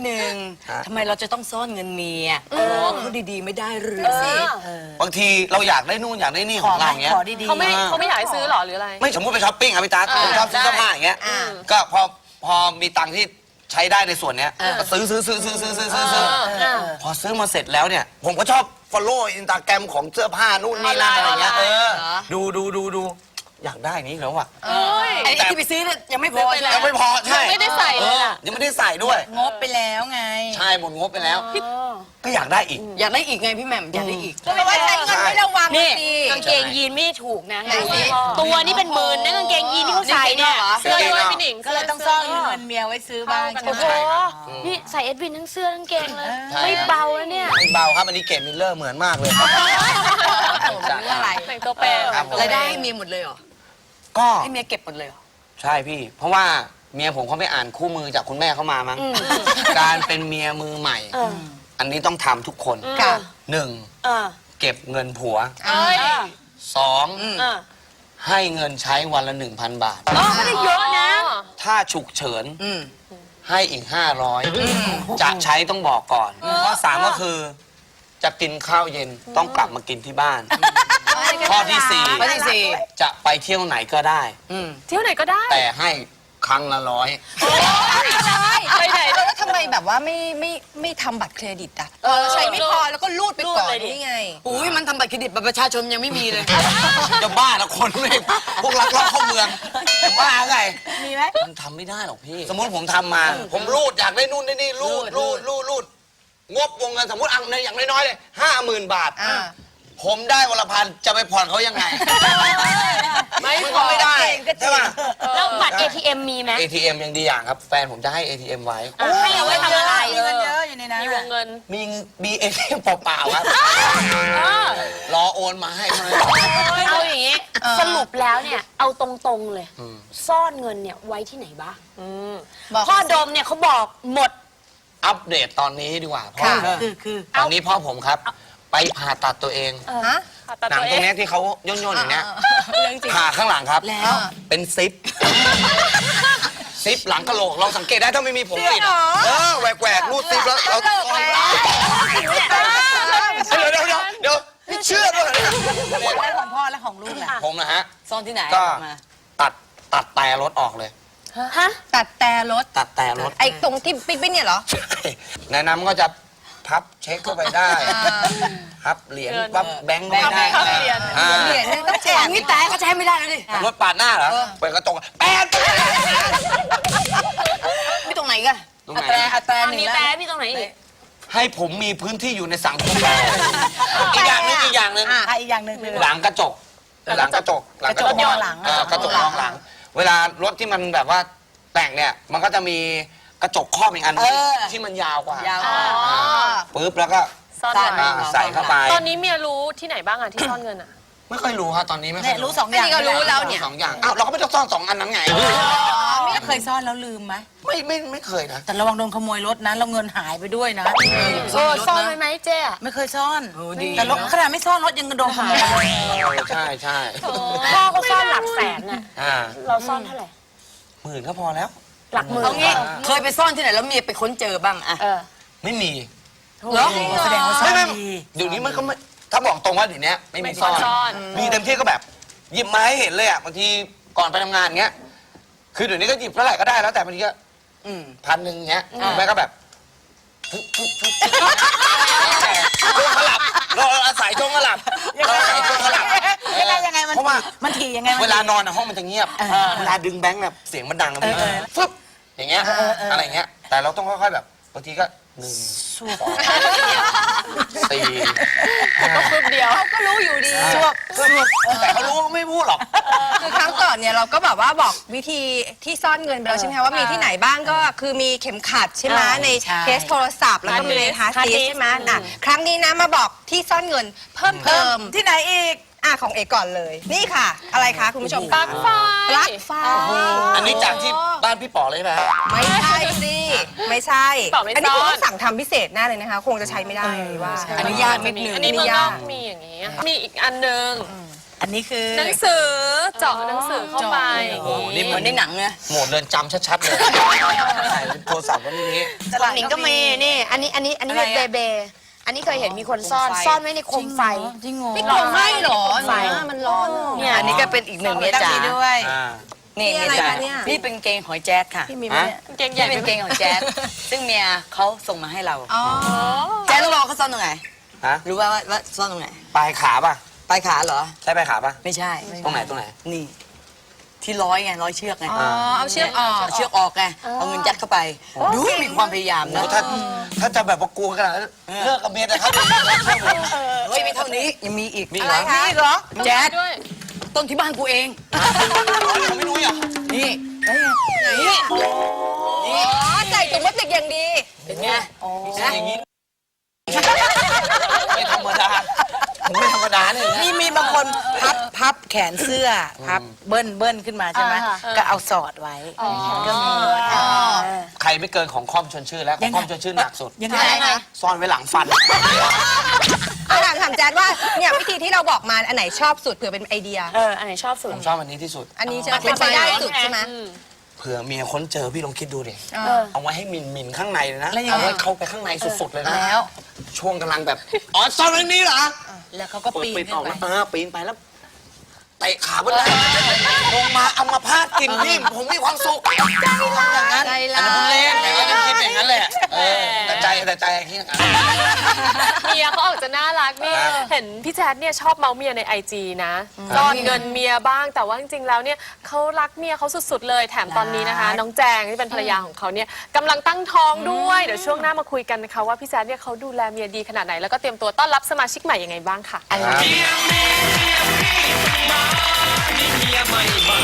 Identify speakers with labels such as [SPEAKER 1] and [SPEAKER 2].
[SPEAKER 1] นึงทำไมเราจะต้องซ่อนเงินเมียพูดดีๆไม่ได้หรือสิ
[SPEAKER 2] บางทีเราอยากได้นู่นอยากได้นี่ของเราอย่างเงี้ย
[SPEAKER 3] เขาไม่อยากให้ซื้อหรอหรืออะไร
[SPEAKER 2] ไม่สมมติไปช้อปปิ้งอะพี่ตาผมชอบซื้อเสื้อผ้าอย่างเงี้ยก็พอมีตังค์ที่ใช้ได้ในส่วนเนี้ยก็ซื้อพอซื้อมาเสร็จแล้วเนี่ยผมก็ชอบ follow Instagram ของเสื้อผ้านู่นนี่นั่นอะไรเงี้ยดูอยากได้นี้แล้วอะ
[SPEAKER 1] ไอ้ที่ไปซื้อเนี่ยยังไม่พอ
[SPEAKER 2] ยังไม่พอใช่
[SPEAKER 3] ไม่ได้ใส่เลยล่ะ
[SPEAKER 2] ยังไม่ได้ใส่ด้วย
[SPEAKER 1] งบไปแล้วไง
[SPEAKER 2] ใช่หมดงบไปแล้วก็อยากได้อีก
[SPEAKER 1] อยากได้อีกไงพี่แหม่มอยากได้อีก
[SPEAKER 4] ก็แปลว่าใช้เงินไม่ระวังนี่
[SPEAKER 5] กางเกงยีนไม่ถูกนะตัวนี่เป็นหมื่นนะกางเกงยีนที่เขาใส่เนี่ย
[SPEAKER 3] เสื้อด้วยพี่หนิง
[SPEAKER 1] ก็เลยต้องซ่อนเงินเมียไว้ซื้อบ้าง
[SPEAKER 5] โอ้โหนี่ใส่เอ็ดวินทั้งเสื้อทั้งเกงเลยไม่เบาแล้วเนี่ย
[SPEAKER 2] ไม่เบาครับอันนี้เกมมิลเลอร์เหมือนมากเลย
[SPEAKER 1] อะไร
[SPEAKER 3] แต่งตัวเป็น
[SPEAKER 1] รายได้ให้เมียหมดเลยเหรอ
[SPEAKER 2] ก็
[SPEAKER 1] ให้เมียเก็บหมดเลยเหรอ
[SPEAKER 2] ใช่พี่เพราะว่าเมียผมเขาไปอ่านคู่มือจากคุณแม่เขามามั้งการเป็นเมียมือใหม่อันนี้ต้องทำทุกคน1เก็บเงินผัว2ให้เงินใช้วันละ 1,000 บาท
[SPEAKER 5] ไม่ได้เยอะนะ
[SPEAKER 2] ถ้าฉุกเฉินให้อีก500จะใช้ต้องบอกก่อนข้อ3ก็คือจะกินข้าวเย็นต้องกลับมากินที่บ้านข้อที่4จะไปเที่ยวไหนก็ได้
[SPEAKER 3] เที่ยวไหนก็ได้
[SPEAKER 2] แต่ให้ครั้งละ100
[SPEAKER 4] ไปไหนแล้วทำไมแบบว่าไม่ทำบัตรเครดิตอ่ะเราใช้ไม่พอแล้วก็รูดไปก่อนนี่ไง
[SPEAKER 1] อุ้ยมันทำบัตรเครดิตบัตรประชาชนยังไม่มีเลย
[SPEAKER 2] จะบ้าแล้วคนไม่พวกลักลอบเข้าเมืองจะบ้าไงมีไหมมันทำไม่ได้หรอกพี่สมมติผมทำมาผมรูดอยากได้นู่นได้นี่รูดงบวงเงินสมมติอย่างน้อยๆเลย50,000 บาทผมได้วันละ1,000จะไปผ่อนเขายังไงไม่ได้ใช่ป่ะ
[SPEAKER 5] แล้วบัตร ATM มีไหม
[SPEAKER 2] ATM ยังดีอย่างครับแฟนผมจะให้ ATM ไว้
[SPEAKER 5] ให้เอาไว้ทำอะไร
[SPEAKER 1] มีเงินเยอะอยู่ในนั้น
[SPEAKER 3] มีวงเงิน
[SPEAKER 2] มี ATM เปล่าๆครับรอโอนมาให้
[SPEAKER 5] เอาอย่างนี้สรุปแล้วเนี่ยเอาตรงๆเลยซ่อนเงินเนี่ยไว้ที่ไหนบ้างพ่อดมเนี่ยเขาบอกหมด
[SPEAKER 2] อัปเดตตอนนี้ดีกว่าพ่อคือตอนนี้พ่อผมครับไปผ่าตัดตัวเองหนังตรงนี้ที่เขาย่นๆอย่างเนี้ยผ่าข้างหลังครับแล้วเป็นซิปหลังกะโหลกเราสังเกตได้ถ้าไม่มีผมปิดแหวกรูดซิปแล้วเราเดี๋ยวนี่เชื่อด้วย
[SPEAKER 1] แล้วของพ่อและของลูกล่ะ
[SPEAKER 2] ผมนะฮะ
[SPEAKER 1] ซ่อนที่ไหน
[SPEAKER 2] ก็ตัดแต่รถออกเลย
[SPEAKER 4] ฮะตัดแต่รถไอ้ตรงที่ปิ๊กเนี่ยเหรอ
[SPEAKER 2] ในนั้นก็จะพับเช็คเข้าไปได้พับเหรียญพับแบงค์ได้
[SPEAKER 4] เหรียญต้องแจก
[SPEAKER 1] นี่แต่ก็ใช้ไม่ได้แล้วดิ
[SPEAKER 2] รถปาดหน้าเหรอเปิดกระจกแป๊ด
[SPEAKER 1] ไม่ตรงไหนกันอัตราหนึ่งแล้ว
[SPEAKER 5] พี่ตรงไหนอีก
[SPEAKER 2] ให้ผมมีพื้นที่อยู่ในสังคมอีกอย่างหนึ่งหลังกระจกมองหลังเวลารถที่มันแบบว่าแต่งเนี่ยมันก็จะมีกระจกครอบอีกอันที่มันยาวกว่าปึ๊บแล้วก็ใส่เข้าไป
[SPEAKER 3] ตอนนี้เมียรู้ที่ไหนบ้างอะที่ซ่อนเงินอะ
[SPEAKER 2] ไม่ค่อยรู้ฮะตอนนี้ไม่ค่อย
[SPEAKER 1] รู้2 อย่าง
[SPEAKER 4] ก็รู้แล้วเนี่ย
[SPEAKER 2] 2 อย่างอ้าวเราก็ไม่ต้องซ่อน2 อันนั้นไง
[SPEAKER 1] ไม่เคยซ่อนแล้วลืมไหม
[SPEAKER 2] ไม่เคยนะ
[SPEAKER 1] แต่ระวังโดนขโมยรถนะเราเงินหายไปด้วยนะ
[SPEAKER 5] ซ่อนไหมเจ๊
[SPEAKER 1] ไม่เคยซ่อนแต่รถขนาดไม่ซ่อนรถยังโดนขโมย
[SPEAKER 2] ใช่
[SPEAKER 5] พ่อเขาซ่อนหลักแสนน่ะเราซ่อนเท่าไหร่
[SPEAKER 2] 10,000ก็พอแล้ว
[SPEAKER 5] หลักหมื่น
[SPEAKER 1] เคยไปซ่อนที่ไหนแล้วเมียไปค้นเจอบ้างอะ
[SPEAKER 2] ไม่มี
[SPEAKER 1] เหรอแสดงว่าซ่อนดี
[SPEAKER 2] เดี๋ยวนี้มันก็ไม่ถ้าบอกตรงว่าเดี๋ยวนี้ไม่มีซ่อนมีเต็มที่ก็แบบหยิบมาให้เห็นเลยอ่ะบางทีก่อนไปทำงานเงี้ยคือเดี๋ยวนี้ก็หยิบเท่าไหร่ก็ได้แล้วแต่บางทีก็1,000เงี้ยแม่ก็แบบช่วงขลับเราอาศัยช่วงขลับ
[SPEAKER 1] ยังไงเพราะว่ามันถี่ยังไง
[SPEAKER 2] เวลานอนห้องมันจะเงียบเวลาดึงแบงค์แบบเสียงมันดังฟึบอย่างเงี้ยอะไรเงี้ยแต่เราต้องค่อยๆแบบบางทีก็1 2 4
[SPEAKER 3] ก็คืบเดียว
[SPEAKER 4] เขาก็รู้อยู่ดี
[SPEAKER 2] แต่เขารู้ไม่พูดหรอก
[SPEAKER 4] คือครั้งก่อนเนี่ยเราก็แบบว่าบอกวิธีที่ซ่อนเงินไปแล้วใช่ไหมคะว่ามีที่ไหนบ้างก็คือมีเข็มขัดใช่ไหมในเคสโทรศัพท์แล้วก็มีในฮาร์ดดิสก์ใช่ไหมครั้งนี้นะมาบอกที่ซ่อนเงินเพิ่ม
[SPEAKER 1] ที่ไหนอีก
[SPEAKER 4] ของเอกก่อนเลยนี่ค่ะอะไรคะคุณผู้ชม
[SPEAKER 3] ปลั๊กไฟ
[SPEAKER 2] อันนี้จากที่บ้านพี่ป๋อเลยไหม
[SPEAKER 4] ไม่ใช่สิไม่ใช่อันนี้คุณต้องสั่งทำพิเศษแน่เลยนะคะคงจะใช้ไม่ได้ว่า
[SPEAKER 1] อนุญาตนิดนึง
[SPEAKER 3] อันนี้มันต้องมีอย่างนี้มีอีกอันนึง
[SPEAKER 1] อั
[SPEAKER 6] อันนี้คือ
[SPEAKER 3] หนังสือเจาะหนังสือเข้าไป
[SPEAKER 2] โอ้โหนี่
[SPEAKER 1] เหมือนในหนังนะ
[SPEAKER 2] โหมดเรือนจำชัดๆเลยใส่โทรศัพท์ไว้ในนี้
[SPEAKER 5] ของหนิงก็มีนี่ อันนี้เป็นเบเบอันนี้เคยเห็นมีคนซ่อนไว้ในโคมไฟ
[SPEAKER 6] จริงเหรอ
[SPEAKER 4] ไม่กลัวไหม้เหรอ
[SPEAKER 5] ไฟ
[SPEAKER 4] มันร้อนอะ
[SPEAKER 5] เนี่ย
[SPEAKER 1] อันนี้ก็เป็นอีกหนึ่งเมียจ๋า
[SPEAKER 6] ด้วย
[SPEAKER 1] นี่
[SPEAKER 4] นี่อะไร
[SPEAKER 1] เมียจ๋า
[SPEAKER 4] คะเนี่ย
[SPEAKER 1] นี่เป็นเกงหอยแจ๊ดค่ะ
[SPEAKER 6] พี่มีไหมเนี่ย
[SPEAKER 3] เก่งใหญ่
[SPEAKER 1] นี่เป็นเกงหอยแจ๊ดซึ่งเมียเขาส่งมาให้เรา
[SPEAKER 4] อ๋อ
[SPEAKER 1] แจ๊ดรู้ว่าเขาซ่อนตรงไหน
[SPEAKER 2] ฮะ
[SPEAKER 1] รู้ว่าซ่อนตรงไหน
[SPEAKER 2] ปลายขาป่ะ
[SPEAKER 1] ปลายขาเหรอ
[SPEAKER 2] ใช่ปลายขาป่ะ
[SPEAKER 1] ไม่ใช่
[SPEAKER 2] ตรงไหนตรงไหน
[SPEAKER 1] นี่ ที่ร้อยไงร้อยเชือกไง
[SPEAKER 4] อ๋อ เอาเชือกออก
[SPEAKER 1] เอาเชือกออกไงเอาเงินยัดเข้าไป ดูมีความพยายาม
[SPEAKER 2] โอ้
[SPEAKER 1] นะ
[SPEAKER 2] ถ้าจะแบบว่ากลัวขนาดนั้นเลิกกับเมียแต่ครับ
[SPEAKER 1] เฮ้ยไม่เท่านี้ยังมีอีก
[SPEAKER 2] มี
[SPEAKER 1] อะไร
[SPEAKER 2] เหรอ
[SPEAKER 1] คะเหรอแจ๊ด
[SPEAKER 3] ด้วย
[SPEAKER 1] ต้นที่บ้านกูเอง
[SPEAKER 2] เขาไม่รู้เหรอ
[SPEAKER 1] นี่นี่
[SPEAKER 4] อ๋อ ใส่ถุงพลาสติกอย่างดี
[SPEAKER 1] เป็นไง
[SPEAKER 2] อย่างนี้ไม่ธรรมดาผมไม่ธรรมดาเลยนะ
[SPEAKER 6] มีบางคนพับแขนเสื้อพับเบิ้ลขึ้นมาใช่ไหมก็เอาสอดไว้ก็มี
[SPEAKER 2] ใครไม่เกินของคอมชวนชื่อแล้วของคอมชวนชื่อหนักสุด
[SPEAKER 6] ยังไง
[SPEAKER 2] ซ่อนไว้หลังฟัน
[SPEAKER 4] เอาถามแจ๊ดว่าเนี่ยวิธีที่เราบอกมาอันไหนชอบสุดเผื่อเป็นไอเดีย
[SPEAKER 5] อันไหนชอบสุด
[SPEAKER 2] ผมชอบอันนี้ที่สุด
[SPEAKER 4] อันนี้ใช่ไหมเป็นไปได้สุดใช่ไหม
[SPEAKER 2] เผื่อเมียค้นเจอพี่ลองคิดดูดิ
[SPEAKER 4] เออ
[SPEAKER 2] เอาไว้ให้หมิ่นข้างในเลยนะ
[SPEAKER 6] แล้วยังไง
[SPEAKER 2] เอาไว้เข้าไปข้างในสุดๆเลยนะ
[SPEAKER 6] แล้ว
[SPEAKER 2] ช่วงกำลังแบบ อ๋อซ่อนไว้นี่เหรอ
[SPEAKER 6] แล้วเขาก็ปีน
[SPEAKER 2] ปิด
[SPEAKER 6] ขึ้
[SPEAKER 2] ออก
[SPEAKER 6] นไป
[SPEAKER 2] แล้วปีนไปแล้วเตะขาบนไหล่ลงมาเอามาพาดกินพี่ผมมีความสุขอย่างนั้น
[SPEAKER 4] ใจ
[SPEAKER 2] อัน
[SPEAKER 4] ร้า
[SPEAKER 2] นั้นเพิ่งเล่
[SPEAKER 4] ย
[SPEAKER 2] นแต่ก็จะคิดอย่างนั้นแหละแต่ใจคิดอย่างนั้น
[SPEAKER 3] เมียเขาออกจะน่ารักนี่
[SPEAKER 2] ครับ
[SPEAKER 3] เห็นพี่แจ๊ดเนี่ยชอบเมาเมียในไอจีนะซ่อนเงินเมียบ้าง แต่ว่าจริงๆแล้วเนี่ยเขารักเมียเขาสุดๆเลยแถมตอนนี้นะคะ น้องแจงที่เป็นภรรยาของเขาเนี่ยกำลังตั้งท้องด้วยเดี๋ยวช่วงหน้ามาคุยกันนะคะว่าพี่แจ๊ดเนี่ยเขาดูแลเมียดีขนาดไหนแล้วก็เตรียมตัวต้อนรับสมาชิกใหม่ยังไงบ้างค่ะ
[SPEAKER 2] ครับ